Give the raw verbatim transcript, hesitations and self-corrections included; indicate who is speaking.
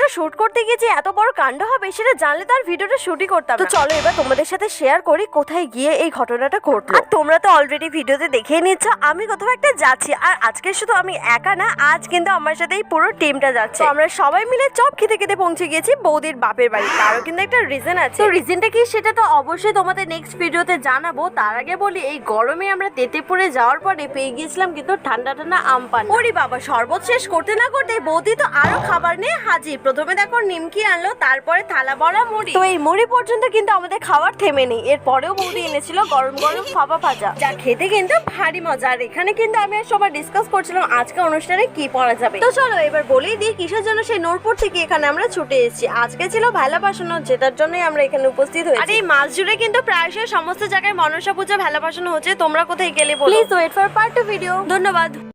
Speaker 1: Shoot করতে গিয়ে যে এত বড় কাণ্ড হবে সেটা জানলে তো আর ভিডিওটা শুটই করতাম না। তো চলো এবার তোমাদের সাথে শেয়ার করি কোথায় গিয়ে এই ঘটনাটা ঘটলো। আর তোমরা তো অলরেডি ভিডিওতে দেখেই নিচ্ছ আমি কোথাও একটা যাচ্ছি, আর আজকে শুধু আমি একা না, আজ কিন্তু আমার সাথে এই পুরো টিমটা যাচ্ছে। তো আমরা সবাই মিলে চপ খেতে খেতে পৌঁছে গিয়েছি বৌদির বাপের বাড়ি। তারও কিন্তু একটা রিজন আছে। তো রিজনটা কি সেটা তো অবশ্যই তোমাদের নেক্সট ভিডিওতে জানাবো। তার আগে বলি এই গরমে আমরা তেতেপুরে যাওয়ার পরে পেয়ে গিয়েছিলাম কিন্তু ঠান্ডা ঠান্ডা আম পান। ওরে বাবা, শরবত শেষ করতে না করতে বৌদি তো আরো খাবার নিয়ে হাজির। প্রথমে দেখো নিমকি আনলো, তারপরে থালা ভরা মুড়ি। তো এই মুড়ি পর্যন্ত কিন্তু আমাদের খাবার থেমে নেই। এরপরেও বৌদি এনেছিল গরম গরম ফাফা ভাজা, যা খেতে কিন্তু ভারী মজা। আর এখানে কিন্তু আমি আর সবাই ডিসকাস করছিলাম আজকে অনুষ্ঠানে কি পড়া যাবে। তো চলো এবার বলেই দিই কিসের জন্য সেই নূরপুর থেকে এখানে আমরা ছুটে এসেছি। আজকে ছিল ভেলা ভাসানো, যেটার জন্যই আমরা এখানে উপস্থিত হয়েছি। আর এই মাস জুড়ে কিন্তু প্রায়শই সমস্ত জায়গায় মনসা পূজা ভেলা ভাসানো হচ্ছে। তোমরা কোথায় গেলে বলো। Please wait for part two video. ধন্যবাদ।